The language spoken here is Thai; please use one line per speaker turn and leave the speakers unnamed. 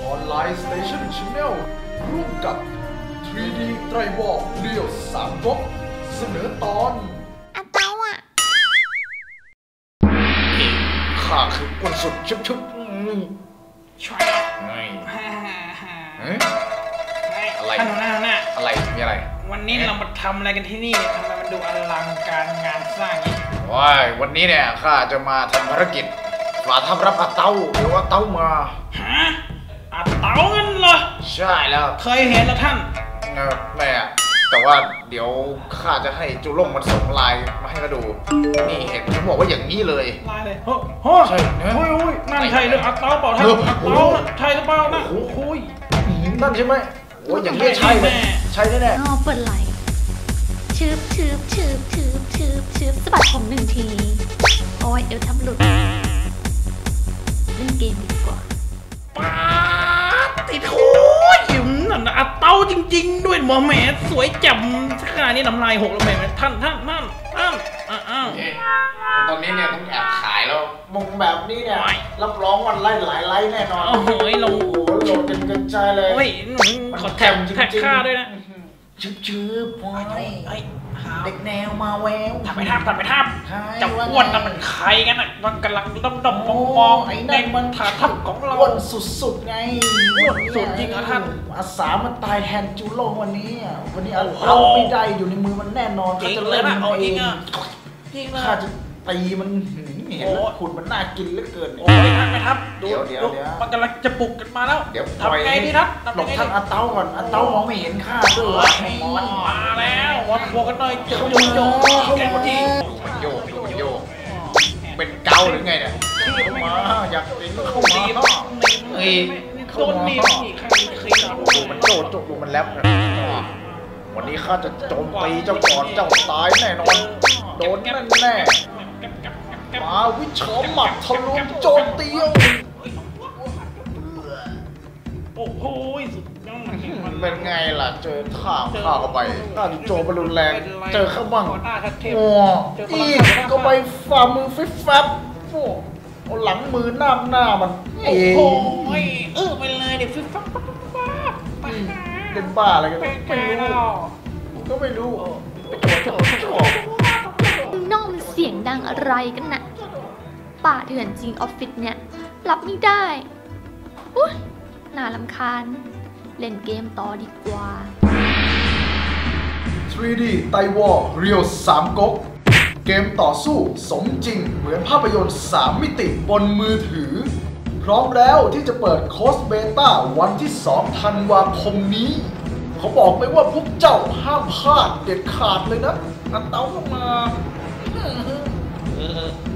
ออนไลน์สเตชันชาแนลร่วมกับ 3D ไตรวอลเรียว3ก๊กเสนอตอน
อาเต้าอ่ะ
ข้าคืออ้วนสุดชุบ
ช่วย
อะไร
ท่านหัวหน้า
อะไรมีอะไร
วันนี้เรามาทำอะไรกันที่นี่ทำไมมันดูอลังการงานสร้างนี้
ว้ายวันนี้เนี่ยข้าจะมาทำภารกิจมาทำรับอาเต้าหรือว่าเต้ามา
ฮะอาเต้างั้นเหรอ
ใช่แล้ว
เคยเห็นแล้วท่าน
แม่แต่ว่าเดี๋ยวข้าจะให้จุลงมันส่งไลน์มาให้เขาดูนี่เห็นเขาบอกว่าอย่างนี้เลย
ไลน์เลยโอ้ใช่โอ้ยนั่นใช่หรืออาเต้าเปล่าท่านอาเต้าใช่หรือเปล่านะ
โอ้ยนั่นใช่ไหมโอ้ยอย่างนี้ใช่เลยใช่แน่
อ๋อเปิดไหลชืบสะบัดผม1 ทีโอ้ยเดี๋ยวทำหลุดเล่นเกมดีกว่า
ป้าติดโอ้ยนั่นอาเต้าจริงๆด้วยหมอแม่สวยแจ่มขนาดนี้น้ำลายหกแล้วแม่ท่าน
ตอนนี้เนี่ยต้องแอบขายแล้วมุงแบบนี้เนี่ยรับรองวันไล่หลายไล่แน่นอน
โอ้โหลง
โหลดกันกระจายเลย
โอ้ยขอแท็กค่าด้วยนะ
ชืบเด็กแนวมาแวว
ทำไปทับจะอ้วนนะมันใครกันอ่ะมันกำลังดมมองไอ้แดงมันถาทับของเรา
อ้วนสุดไง
อ้วนสุดจริงเหรอท่าน
อาสามันตายแทนจูโล่วันนี้เราไม่ได้อยู่ในมือมันแน่นอนเขาจะเล่นมันเองข้าจะตีมันเห็นแล้วขุดมันน่ากินเหลือเกิน
โอ้ยท่านไปทับเดี๋ยวมันกำลังจะปลุกกันมาแล้ว
เดี๋ยว
ทำไงดีทับ
หลบท่านอาเต้าก่อนอาเต้ามองไม่เห็นข้าด้วย
มันมาแล้ววัดบวกกันหน่อยโย
เป็นเกาหรือไงเนี่ยมาอยากเป็นเข้ามา
โดนหนี
ดูมันโจกดูมันแลบวันนี้ข้าจะโจมตีเจ้าก่อนเจ้าตายแน่นอนโดนแน่มาวิชาหมัดทะลุโจมตี
โอ้โหสุดยอด
เป็นไงล่ะเจอข้าวเข้าไปข้าโจมบอลลูนแรงเจอข้าบ้างโอ้อีกก็ไปฝ่ามือฟิบฟับโอ้หลังมือหน้ามัน
โอ้โหไปเลยเดี๋ยวฟิบฟับ
เป็นบ้าอะไรกันไม่รู้
น้องมันเสียงดังอะไรกันน่ะป่าเถื่อนจริงออฟฟิศเนี่ยรับไม่ได้อุ๊ยน่ารำคาญเล่นเกมต่อดีกว่า
3D ไตวอลเรียว3ก๊กเกมต่อสู้สมจริงเหมือนภาพยนตร์3 มิติบนมือถือพร้อมแล้วที่จะเปิดโค้ดเบต้าวันที่2 ธันวาคมนี้เขาบอกไปว่าพวกเจ้าห้ามพลาดเด็ดขาดเลยนะอาเต้าลงมา